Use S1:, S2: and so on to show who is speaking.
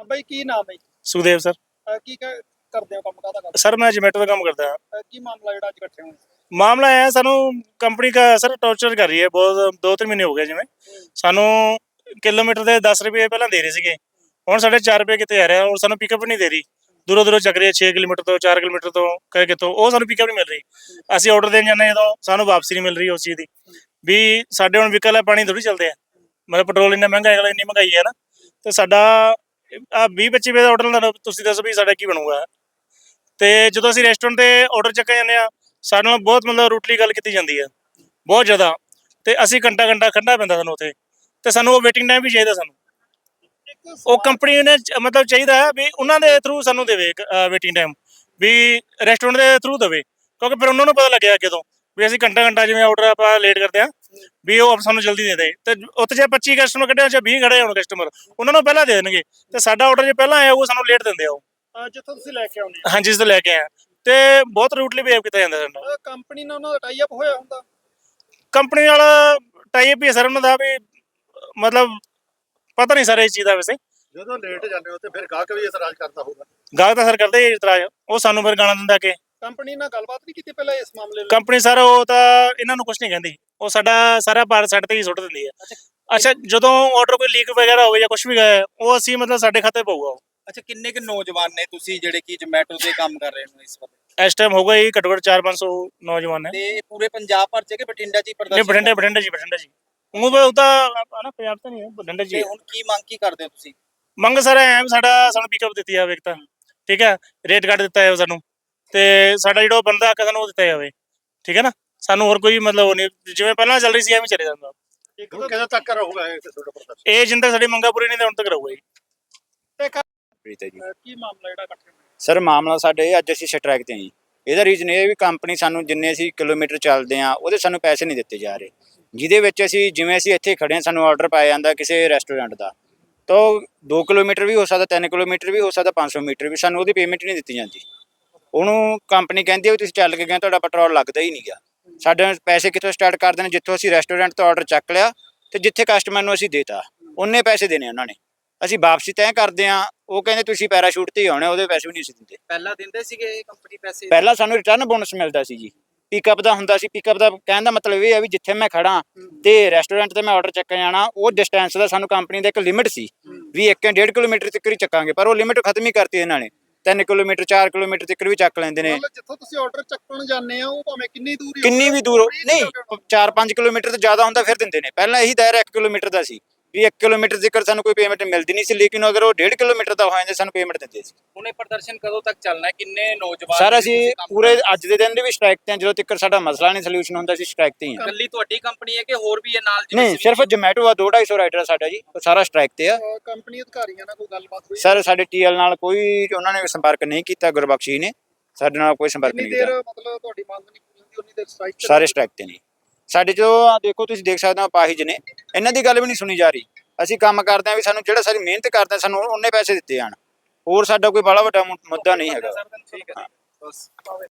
S1: ਬਾਈ ਕੀ ਨਾਮ ਹੈ ਜੀ?
S2: ਸੁਖਦੇਵ ਸਰ।
S1: ਕੀ ਕਰਦੇ ਹੋ, ਕੰਮ ਕਾਹਦਾ ਕਰਦੇ
S2: ਸਰ मैं जोमेटो का काम करता है।
S1: ਹੋ? ਕੀ ਮਾਮਲਾ ਜਿਹੜਾ ਅੱਜ ਇਕੱਠੇ ਹੋਏ?
S2: मामला है सानू कंपनी का सर टॉर्चर कर रही है बहुत 2-3 महीने हो गए जिमें सानू किलोमीटर ਦੇ 10 ਰੁਪਏ ਪਹਿਲਾਂ ਦੇ ਰਹੇ ਸੀਗੇ ਹੁਣ ਸਾਡੇ 4 ਰੁਪਏ ਕਿਤੇ ਆ ਰਿਹਾ ਔਰ ਸਾਨੂੰ ਪਿਕਅਪ ਨਹੀਂ ਦੇ ਰਹੀ ਦੂਰੋਂ ਚੱਕ ਰਹੀ ਹੈ 6 ਕਿਲੋਮੀਟਰ ਤੋਂ 4 ਕਿਲੋਮੀਟਰ ਤੋਂ ਕਹੇ ਕਿਤੋਂ ਉਹ ਸਾਨੂੰ ਪਿਕਅਪ ਨਹੀਂ ਮਿਲ ਰਹੀ ਅਸੀਂ ਆਰਡਰ ਦੇਣ ਜਾਂਦੇ ਜਦੋਂ ਸਾਨੂੰ ਵਾਪਸੀ ਨਹੀਂ ਮਿਲ ਰਹੀ ਉਸ ਚੀਜ਼ ਦੀ ਵੀ ਸਾਡੇ ਹੁਣ ਵਿਕਲ ਹੈ ਪਾਣੀ ਥੋੜੀ ਚੱਲਦੇ ਆ ਮਤਲਬ ਪੈਟਰੋਲ ਇੰਨਾ ਮਹਿੰਗਾ ਹੈ ਇੰਨੀ ਮਹਿੰਗਾਈ ਹੈ ਨਾ ਤੇ ਸਾਡਾ ਆ 20-25 ਰੁਪਏ ਦਾ ਆਰਡਰ ਲੈਣਾ ਤੁਸੀਂ ਦੱਸੋ ਵੀ ਸਾਡਾ ਕੀ ਬਣੂਗਾ ਤੇ ਜਦੋਂ ਅਸੀਂ ਰੈਸਟੋਰੈਂਟ ਤੇ ਆਰਡਰ ਚੱਕ ਜਾਂਦੇ ਆ ਸਾਡੇ ਨਾਲ ਬਹੁਤ ਮਤਲਬ ਰੂਟਲੀ ਗੱਲ ਕੀਤੀ ਜਾਂਦੀ ਹੈ ਬਹੁਤ ਜ਼ਿਆਦਾ ਤੇ ਅਸੀਂ ਘੰਟਾ ਖੜਨਾ ਪੈਂਦਾ ਸਾਨੂੰ ਉੱਥੇ ਤੇ ਸਾਨੂੰ ਉਹ ਵੇਟਿੰਗ ਟਾਈਮ ਵੀ ਚਾਹੀਦਾ ਸਾਨੂੰ ਉਹ ਕੰਪਨੀ ਨੇ ਮਤਲਬ ਚਾਹੀਦਾ ਵੀ ਉਹਨਾਂ ਦੇ ਥਰੂ ਸਾਨੂੰ ਦੇਵੇ ਵੇਟਿੰਗ ਟਾਈਮ ਵੀ ਰੈਸਟੋਰੈਂਟ ਦੇ ਥਰੂ ਦੇਵੇ ਕਿਉਂਕਿ ਫਿਰ ਉਹਨਾਂ ਨੂੰ ਪਤਾ ਲੱਗਿਆ ਕਿਦੋਂ ਵੀ ਅਸੀਂ ਘੰਟਾ ਜਿਵੇਂ ਆਰਡਰ ਆਪਾਂ ਲੇਟ ਕਰਦੇ ਆ ਵੀ ਉਹ ਸਾਨੂੰ ਜਲਦੀ ਦੇ ਦੇ ਤੇ ਉੱਥੇ ਜੇ 25 ਕਸਟਮਰ ਕੱਢਿਆ ਜਾਂ 20 ਖੜੇ ਹੋਣ ਕਸਟਮਰ ਉਹਨਾਂ ਨੂੰ ਪਹਿਲਾਂ ਦੇ ਦੇਣਗੇ ਤੇ ਸਾਡਾ ਆਰਡਰ ਜੇ ਪਹਿਲਾਂ ਆਇਆ ਉਹ ਸਾਨੂੰ ਲੇਟ ਦਿੰਦੇ ਆ ਉਹ
S1: ਜਿੱਥੋਂ ਤੁਸੀਂ ਲੈ ਕੇ ਆਉਂਦੇ
S2: ਹਾਂਜੀ ਜਿਸ ਤੋਂ ਲੈ ਕੇ ਆਇਆ ਤੇ ਬਹੁਤ ਰੂਟਲੀ ਬਿਹੇਵ ਕੀਤਾ ਜਾਂਦਾ ਸਾਡਾ
S1: ਕੰਪਨੀ ਨਾਲ ਉਹਨਾਂ ਦਾ ਟਾਈ ਅਪ ਹੋਇਆ ਹੁੰਦਾ
S2: ਕੰਪਨੀ ਨਾਲ ਟਾਈ ਅਪ ਹੀ ਸਰ ਉਹਨਾਂ ਦਾ ਵੀ ਮਤਲਬ ਪਤਾ ਨਹੀਂ ਸਰ ਇਸ ਚੀਜ਼ ਦਾ ਵੈਸੇ
S3: ਜਦੋਂ ਲੇਟ ਜਾਂਦੇ ਹੋ ਤੇ ਫਿਰ ਗਾਹਕ ਵੀ ਇਤਰਾਜ਼ ਕਰਦਾ ਹੋਊਗਾ
S2: ਗਾਹਕ ਤਾਂ ਸਰ ਕਰਦੇ ਹੀ ਇਤਰਾਜ਼ ਉਹ ਸਾਨੂੰ ਫਿਰ ਗਾਣਾ ਦਿੰਦਾ ਕਿ
S1: ਕੰਪਨੀ ਨਾਲ ਗੱਲਬਾਤ ਨਹੀਂ ਕੀਤੀ ਪਹਿਲਾਂ ਇਸ ਮਾਮਲੇ ਨੂੰ?
S2: ਕੰਪਨੀ ਸਰ ਉਹ ਤਾਂ ਇਹਨਾਂ ਨੂੰ ਕੁਝ ਨਹੀਂ ਕਹਿੰਦੀ ਉਹ ਸਾਡਾ ਸਾਰਾ ਭਾਰ ਸਾਡੇ ਤੇ ਹੀ ਸੁੱਟ ਦਿੰਦੀ ਹੈ ਅੱਛਾ ਜਦੋਂ ਆਰਡਰ ਕੋਈ ਲੀਕ ਵਗੈਰਾ ਹੋਵੇ ਜਾਂ ਕੁਝ ਵੀ ਗਏ ਉਹ ਅਸੀਂ ਮਤਲਬ ਸਾਡੇ ਖਾਤੇ ਪਊਗਾ ਉਹ
S4: ਅੱਛਾ ਕਿੰਨੇ ਕੁ ਨੌਜਵਾਨ ਨੇ ਤੁਸੀਂ ਜਿਹੜੇ ਕਿ ਜ਼ੋਮੈਟੋ ਤੇ ਕੰਮ ਕਰ ਰਹੇ ਹੋ ਇਸ ਵਕਤ
S2: ਇਸ ਟਾਈਮ ਹੋਊਗਾ ਹੀ ਘੱਟੋ ਘੱਟ 400-500 ਨੌਜਵਾਨ ਹੈ
S4: ਤੇ ਪੂਰੇ ਪੰਜਾਬ ਭਰ ਚ ਕਿ ਬਠਿੰਡਾ ਚ ਹੀ
S2: ਨਹੀਂ ਬਠਿੰਡਾ ਜੀ ਉਹ ਤਾਂ ਨਾ ਪੰਜਾਬ ਤਾਂ ਨਹੀਂ ਹੈ ਬਠਿੰਡਾ ਜੀ
S4: ਤੇ ਹੁਣ ਕੀ ਮੰਗ ਕੀ ਕਰਦੇ ਹੋ ਤੁਸੀਂ
S2: ਮੰਗ ਸਰ ਐ ਸਾਨੂੰ ਪਿਕਅਪ ਦਿੱਤੀ ਜਾਵੇ ਇੱਕ ਤਾਂ ਠੀਕ ਹੈ ਰੇਟ ਕੱਟ ਦਿੱਤਾ ਜਾਵੇ ਸਾਨੂੰ ਤੇ ਸਾਡਾ ਜਿਹੜਾ ਬੰਦਾ ਆਖਿਆ ਸਾਨੂੰ ਉਹ ਦਿੱਤਾ ਜਾਵੇ ਠੀਕ ਹੈ ਨਾ ਸਾਨੂੰ ਹੋਰ ਕੋਈ ਮਤਲਬ ਉਹ ਨਹੀਂ ਜਿਵੇਂ ਪਹਿਲਾਂ ਚੱਲ ਰਹੀ ਸੀ ਐਵੇਂ ਚੱਲੇ ਜਾਂਦਾ
S3: ਹੁਣ ਕਦੋਂ ਤੱਕ ਰਹੂਗਾ ਇਹ ਤੁਹਾਡਾ ਪ੍ਰਦਰਸ਼ਨ
S2: ਇਹ ਜਿੰਨ ਤੱਕ ਸਾਡੀ ਮੰਗਾਂ ਪੂਰੀ ਨਹੀਂ ਤੇ ਹੁਣ ਤੱਕ ਰਹੂਗਾ ਜੀ
S5: ਪ੍ਰੀਤ ਹੈ ਜੀ
S1: ਕੀ ਮਾਮਲਾ ਜਿਹੜਾ ਇਕੱਠੇ ਹੋਇਆ?
S5: ਸਰ ਮਾਮਲਾ ਸਾਡੇ ਅੱਜ ਅਸੀਂ ਸਟ੍ਰਾਈਕ ਤੇ ਹਾਂ ਜੀ ਇਹਦਾ ਰੀਜ਼ਨ ਇਹ ਵੀ ਕੰਪਨੀ ਸਾਨੂੰ ਜਿੰਨੇ ਅਸੀਂ ਕਿਲੋਮੀਟਰ ਚੱਲਦੇ ਆ ਉਹਦੇ ਸਾਨੂੰ ਪੈਸੇ ਨਹੀਂ ਦਿੱਤੇ ਜਾ ਰਹੇ ਜਿਹਦੇ ਵਿੱਚ ਅਸੀਂ ਜਿਵੇਂ ਅਸੀਂ ਇੱਥੇ ਖੜੇ ਹਾਂ ਸਾਨੂੰ ਆਰਡਰ ਪਾਇਆ ਜਾਂਦਾ ਕਿਸੇ ਰੈਸਟੋਰੈਂਟ ਦਾ ਤਾਂ 2 ਕਿਲੋਮੀਟਰ ਵੀ ਹੋ ਸਕਦਾ 3 ਕਿਲੋਮੀਟਰ ਵੀ ਹੋ ਸਕਦਾ 500 ਮੀਟਰ ਵੀ ਸਾਨੂੰ ਉਹਦੀ ਪੇਮੈਂਟ ਨਹੀਂ ਦਿੱਤੀ ਜਾਂਦੀ ਉਹਨੂੰ ਕੰਪਨੀ ਕਹਿੰਦੀ ਹੈ ਵੀ ਤੁਸੀਂ ਚੱਲ ਕੇ ਗਏ ਤੁਹਾਡਾ ਪੈਟਰੋਲ ਲੱਗਦਾ ਹੀ ਨਹੀਂ ਗਾ ਸਾਡੇ ਪੈਸੇ ਕਿੱਥੋਂ ਸਟਾਰਟ ਕਰਦੇ ਨੇ ਜਿੱਥੋਂ ਅਸੀਂ ਰੈਸਟੋਰੈਂਟ ਤੋਂ ਆਰਡਰ ਚੱਕ ਲਿਆ ਤੇ ਜਿੱਥੇ ਕਸਟਮਰ ਨੂੰ ਅਸੀਂ ਦੇਤਾ ਉਹਨੇ ਪੈਸੇ ਦੇਣੇ ਉਹਨਾਂ ਨੇ ਅਸੀਂ ਵਾਪਸੀ ਤੈਅ ਕਰਦੇ ਆ ਉਹ ਕਹਿੰਦੇ ਤੁਸੀਂ ਪੈਰਾਸ਼ੂਟ ਤੇ ਹੀ ਆਉਣੇ ਉਹਦੇ ਪੈਸੇ ਵੀ ਨਹੀਂ ਅਸੀਂ ਦਿੰਦੇ
S4: ਪਹਿਲਾਂ ਦਿੰਦੇ ਸੀਗੇ ਕੰਪਨੀ ਪੈਸੇ
S5: ਪਹਿਲਾਂ ਸਾਨੂੰ ਰਿਟਰਨ ਬੋਨਸ ਮਿਲਦਾ ਸੀ ਜੀ ਪਿਕਅਪ ਦਾ ਹੁੰਦਾ ਸੀ ਪਿਕਅਪ ਦਾ ਕਹਿਣ ਦਾ ਮਤਲਬ ਇਹ ਹੈ ਵੀ ਜਿੱਥੇ ਮੈਂ ਖੜਾ ਤੇ ਰੈਸਟੋਰੈਂਟ ਤੇ ਮੈਂ ਆਰਡਰ ਚੱਕਣ ਜਾਣਾ ਉਹ ਡਿਸਟੈਂਸ ਦਾ ਸਾਨੂੰ ਕੰਪਨੀ ਦਾ ਇੱਕ ਲਿਮਿਟ ਸੀ ਵੀ 1.5 ਕਿਲੋਮੀਟਰ ਤੱਕ ਹੀ ਚੱਕਾਂਗੇ ਪਰ ਉਹ ਲਿਮਿਟ ਖਤਮ ਹੀ ਕਰਤੀ ਇਹਨਾਂ ਨੇ 3 ਕਿਲੋਮੀਟਰ 4 ਕਿਲੋਮੀਟਰ ਤੱਕ ਵੀ ਚੱਕ ਲੈਂਦੇ ਨੇ
S1: ਮਤਲਬ ਜਿੱਥੋਂ ਤੁਸੀਂ ਆਰਡਰ ਚੱਕਣ ਜਾਂਦੇ ਆ ਉਹ ਭਾਵੇਂ ਕਿੰਨੀ ਦੂਰ
S5: ਕਿੰਨੀ ਵੀ ਦੂਰ ਨਹੀਂ 4-5 ਕਿਲੋਮੀਟਰ ਤੋਂ ਜ਼ਿਆਦਾ ਹੁੰਦਾ ਫਿਰ ਦਿੰਦੇ ਨੇ ਪਹਿਲਾਂ ਇਹੀ ਦਾਇਰਾ 1 ਕਿਲੋਮੀਟਰ ਦਾ ਸੀ ਵੀ 1 ਕਿਲੋਮੀਟਰ ਤੱਕ ਸਾਨੂੰ ਕੋਈ ਪੇਮੈਂਟ ਮਿਲਦੀ ਨਹੀਂ ਸੀ ਲੇਕਿਨ ਅਗਰ ਉਹ 1.5 ਕਿਲੋਮੀਟਰ ਦਾ ਹੋ ਜਾਂਦਾ ਸਾਨੂੰ ਪੇਮੈਂਟ ਦਿੰਦੇ ਸੀ
S4: ਹੁਣ ਇਹ ਪ੍ਰਦਰਸ਼ਨ ਕਦੋਂ ਤੱਕ ਚੱਲਣਾ ਹੈ ਕਿੰਨੇ ਨੌਜਵਾਨ
S5: ਸਰ ਅਸੀਂ ਪੂਰੇ ਅੱਜ ਦੇ ਦਿਨ ਦੇ ਵੀ ਸਟ੍ਰਾਈਕ ਤੇ ਹਾਂ ਜਦੋਂ ਤੱਕ ਸਾਡਾ ਮਸਲਾ ਨਹੀਂ ਸੋਲੂਸ਼ਨ ਹੁੰਦਾ ਸੀ ਸਟ੍ਰਾਈਕ ਤੇ ਹੀ ਹਾਂ
S4: ਇਕੱਲੀ ਤੁਹਾਡੀ ਕੰਪਨੀ ਹੈ ਕਿ ਹੋਰ ਵੀ ਹੈ ਨਾਲ
S5: ਨਹੀਂ ਸਿਰਫ ਜੋਮੈਟੋ ਆ 2-250 ਰਾਈਡਰ ਸਾਡਾ ਜੀ ਉਹ ਸਾਰਾ ਸਟ੍ਰਾਈਕ ਤੇ ਆ
S1: ਕੰਪਨੀ ਅਧਿਕਾਰੀਆਂ ਨਾਲ ਕੋਈ ਗੱਲਬਾਤ ਹੋਈ?
S5: ਸਰ ਸਾਡੇ ਟੀਐਲ ਨਾਲ ਕੋਈ ਉਹਨਾਂ ਨੇ ਸੰਪਰਕ ਨਹੀਂ ਕੀਤਾ ਗੁਰਬਖਸ਼ੀ ਨੇ ਸਾਡੇ ਨਾਲ ਕੋਈ ਸੰਪਰਕ ਨਹੀਂ
S1: ਦੇਰ
S5: ਕੀਤਾ
S1: ਮਤਲਬ ਤੁਹਾਡੀ ਮੰਗ ਨਹੀਂ ਪੂਰੀ ਹੁੰਦੀ ਉਨੀ ਦੇਰ ਸਟ੍ਰਾਈਕ
S5: ਸਾਰੇ ਸਟ੍ਰਾਈਕ ਤੇ ਨਹੀਂ ਸਾਡੇ ਜੋ ਦੇਖੋ ਤੁਸੀਂ ਦੇਖ ਸਕਦੇ ਹੋ ਅਪਾਹਿਜ ਨੇ ਇਹਨਾਂ ਦੀ ਗੱਲ ਵੀ ਨਹੀਂ ਸੁਣੀ ਜਾ ਰਹੀ ਅਸੀਂ ਕੰਮ ਕਰਦੇ ਆ ਵੀ ਸਾਨੂੰ ਜਿਹੜਾ ਸਾਰੀ ਮਿਹਨਤ ਕਰਦੇ ਆ ਸਾਨੂੰ ਉਹਨੇ ਪੈਸੇ ਦਿੱਤੇ ਜਾਣ ਹੋਰ ਸਾਡਾ ਕੋਈ ਬੜਾ ਵੱਡਾ ਮੁੱਦਾ ਨਹੀਂ ਹੈਗਾ
S4: ਠੀਕ ਹੈ ਬਸ